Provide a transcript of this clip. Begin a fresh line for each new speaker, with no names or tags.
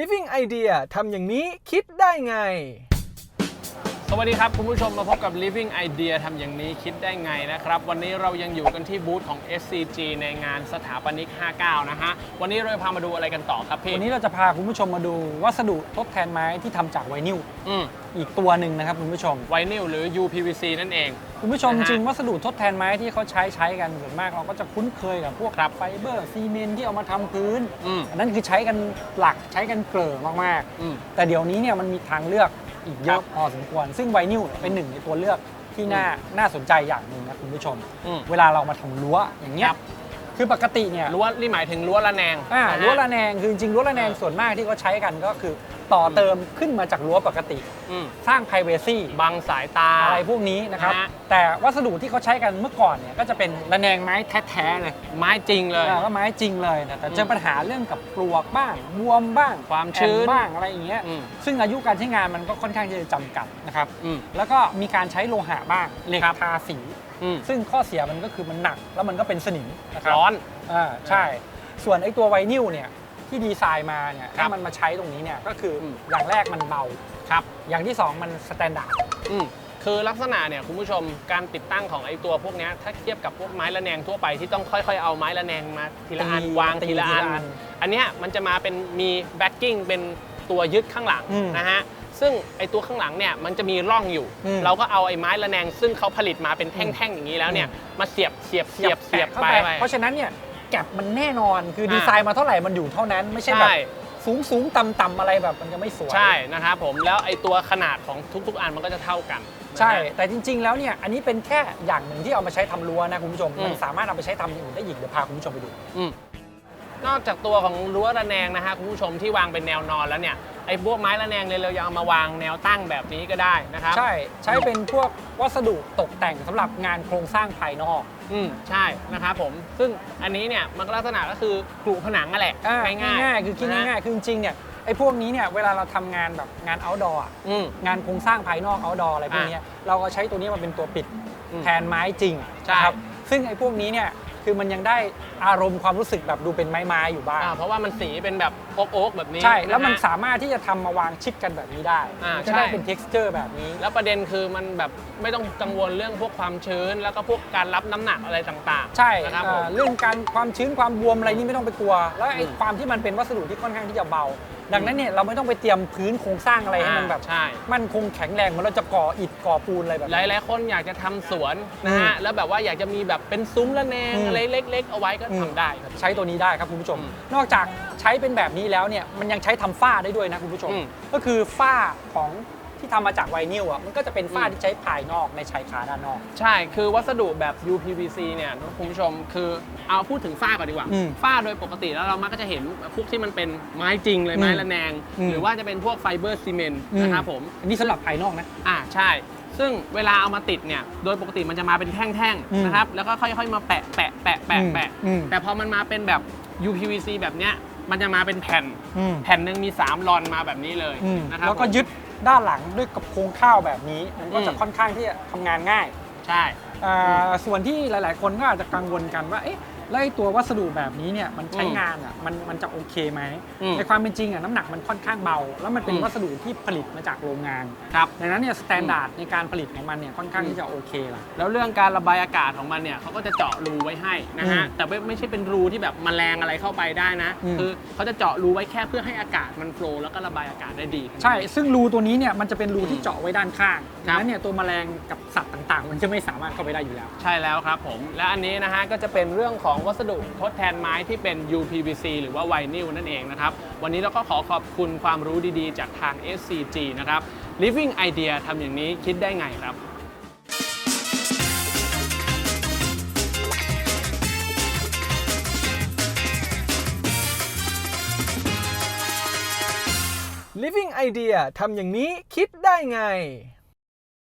Living Idea ทำอย่างนี้คิดได้ไง
สวัสดีครับคุณผู้ชมมาพบกับ Living Idea ทำอย่างนี้คิดได้ไงนะครับวันนี้เรายังอยู่กันที่บูธของ SCG ในงานสถาปนิก 59 นะฮะวันนี้เราพามาดูอะไรกันต่อครับพี่
วันนี้เราจะพาคุณผู้ชมมาดูวัสดุทดแทนไม้ที่ทำจากไวนิลอีกตัวหนึ่งนะครับคุณผู้ชม
ไวนิลหรือ UPVC นั่นเอง
คุณผู้ชมจริงวัสดุทดแทนไม้ที่เขาใช้กันส่วนมากเราก็จะคุ้นเคยกับพวกไฟเบอร์ซีเมนต์ที่เอามาทำพื้นอันนั้นคือใช้กันหลักใช้กันเกลือมากๆแต่เดี๋ยวนี้เนี่ยมันมีทางเลือกอีกเยอะพอสมควรซึ่งไวนิลเป็นหนึ่งในตัวเลือกที่น่าสนใจอย่างหนึ่งนะคุณผู้ชมเวลาเรามาทำรั้วอย่างเงี้ยคือปกติเนี่ย
รั้วนี่หมายถึงรั้วระแนง
รั้วระแนงคือจริงรั้วระแนงส่วนมากที่เขาใช้กันก็คือต่อเติมขึ้นมาจากรั้วปกติสร้าง privacy
บังสายตา
อะไรพวกนี้นะครับแต่วัสดุที่เขาใช้กันเมื่อก่อนเนี่ยก็จะเป็นระแนงไม้แท้ๆเลย
ไม้จริงเลย
ก็ไม้จริงเลยแต่เจอปัญหาเรื่องกับปลวกบ้างบวมบ้าง
ความชื้น
บ้างอะไรอย่างเงี้ยซึ่งอายุการใช้งานมันก็ค่อนข้างที่จะจำกัดนะครับแล้วก็มีการใช้โลหะบ้างเหล็กทาสีซึ่งข้อเสียมันก็คือมันหนักแล้วมันก็เป็นสนิมนะครับ
ร้อน
ใช่ส่วนไอ้ตัวไวนิลเนี่ยที่ดีไซน์มาเนี่ยถ้ามันมาใช้ตรงนี้เนี่ยก็คืออย่างแรกมันเบา
ครับ
อย่างที่2มันสแตนดาร์ด
คือลักษณะเนี่ยคุณผู้ชมการติดตั้งของไอ้ตัวพวกนี้ถ้าเทียบกับพวกไม้ระแนงทั่วไปที่ต้องค่อยๆเอาไม้ระแนงมาทีละอันวางทีละอันอันเนี้ยมันจะมาเป็นมีแบ็กกิ้งเป็นตัวยึดข้างหลังนะฮะซึ่งไอ้ตัวข้างหลังเนี่ยมันจะมีร่องอยู่เราก็เอาไอ้ไม้ระแนงซึ่งเขาผลิตมาเป็นแท่งๆอย่างนี้แล้วเนี่ยมาเสียบไป
เพราะฉะนั้นเนี่ยแก็บมันแน่นอนคือดีไซน์มาเท่าไหร่มันอยู่เท่านั้นไม่ใช่แบบสูงต่ำอะไรแบบมันจะไม่สวย
ใช่นะครับผมแล้วไอ้ตัวขนาดของทุกอันมันก็จะเท่ากัน
ใช่แต่จริงๆแล้วเนี่ยอันนี้เป็นแค่อย่างหนึ่งที่เอามาใช้ทำรั้วนะคุณผู้ชมมันสามารถเอาไปใช้ทำอย่างอื่นได้อีกเดี๋ยวพาคุณผู้ชมไปดู
นอกจากตัวของรั้วระแนงนะฮะคุณผู้ชมที่วางเป็นแนวนอนแล้วเนี่ยไอ้พวกไม้ระแนงเลยเรายังเอามาวางแนวตั้งแบบนี้ก็ได้นะครับ
ใช้เป็นพวกวัสดุตกแต่งสำหรับงานโครงสร้างภายนอก
ใช่นะครับผมซึ่งอันนี้เนี่ยมันลักษณะก็คือกรุผนังนั่นแหละ
ง่ายๆคือคิดง่ายๆคือจริงๆเนี่ยไอ้พวกนี้เนี่ยเวลาเราทำงานแบบงาน outdoor งานโครงสร้างภายนอก outdoor อะไรพวกนี้เราก็ใช้ตัวนี้มาเป็นตัวปิดแทนไม้จริงนะครับซึ่งไอ้พวกนี้เนี่ยคือมันยังได้อารมณ์ความรู้สึกแบบดูเป็นไม้ๆอยู่บ้าง
เพราะว่ามันสีเป็นแบบโอ๊กแบบนี้
ใช่แล้วมันสามารถที่จะทำมาวางชิดกันแบบนี้ได้จะได้เป็น texture แบบนี้
แล้วประเด็นคือมันแบบไม่ต้องกังวลเรื่องพวกความชื้นแล้วก็พวกการรับน้ำหนักอะไรต่างๆ
ใช่นะครับเรื่องการความชื้นความบวมอะไรนี่ไม่ต้องไปกลัวแล้วไอ้ความที่มันเป็นวัสดุที่ค่อนข้างที่จะเบาดังนั้นเนี่ยเราไม่ต้องไปเตรียมพื้นโครงสร้างอะไรให้มันแบบมั่นคงแข็งแรงเหมือนเราจะก่ออิฐก่อปูนอะไรแบบ
หลายๆคนอยากจะทำสวนนะฮะแล้วแบบว่าอยากจะมีแบบเป็นซุ้มระแนงอะไรเล็กๆเอาไว้ก็ทำได้
ใช้ตัวนี้ได้ครับคุณผู้ชมนอกจากใช้เป็นแบบนี้แล้วเนี่ยมันยังใช้ทำฝ้าได้ด้วยนะคุณผู้ชมก็คือฝ้าของที่ทำมาจากไวนิลอ่ะมันก็จะเป็นฝ้าที่ใช้ภายนอกในชายคาด้านนอก
ใช่คือวัสดุแบบ UPVC เนี่ยคุณผู้ชมคือเอาพูดถึงฝ้าก่อนดีกว่าฝ้าโดยปกติแล้วเรามักจะเห็นพวกที่มันเป็นไม้จริงเลยไม้ระแนงหรือว่าจะเป็นพวกไฟเบอร์ซีเมนต์นะครับผม
อันนี้สำหรับภายนอกนะ
ใช่ซึ่งเวลาเอามาติดเนี่ยโดยปกติมันจะมาเป็นแท่งๆนะครับแล้วก็ค่อยๆมาแปะแต่พอมันมาเป็นแบบ UPVC แบบเนี้ยมันจะมาเป็นแผ่นหนึ่งมี3ลอนมาแบบนี้เลยนะครับ
แล้วก็ยึดด้านหลังด้วยกับโครงข้าวแบบนี้มันก็จะค่อนข้างที่จะทำงานง่าย
ใช่
ส่วนที่หลายๆคนก็อาจจะกังวลกันว่าแล้วไอ้ตัววัสดุแบบนี้เนี่ยมันใช้งานมันจะโอเคไหมในความเป็นจริงน้ำหนักมันค่อนข้างเบาแล้วมันเป็นวัสดุที่ผลิตมาจากโรงงานดังนั้นเนี่ยสแตนดาร์ดในการผลิตของมันเนี่ยค่อนข้างที่จะโอเคละ
แล้วเรื่องการระบายอากาศของมันเนี่ยเขาก็จะเจาะรูไว้ให้นะฮะแต่ไม่ใช่เป็นรูที่แบบแมลงอะไรเข้าไปได้นะคือเขาจะเจาะรูไว้แค่เพื่อให้อากาศมันโฟลว์แล้วก็ระบายอากาศได้ดี
ใช่ซึ่งรูตัวนี้เนี่ยมันจะเป็นรูที่เจาะไว้ด้านข้างดังนั้นเนี่ยตัวแมลงกับสัตว์ต่างๆมันจะไม่สามารถเข้าไปได้อยู่แล้ว
ใช่แล้วครับผมและอันนี้นะฮะก็จะเป็นเรื่องของวัสดุทดแทนไม้ที่เป็น UPVC หรือว่าไวนิลนั่นเองนะครับวันนี้เราก็ขอขอบคุณความรู้ดีๆจากทาง SCG นะครับ Living Idea ทำอย่างนี้คิดได้ไงครับ
Living Idea ทำอย่างนี้คิดได้ไง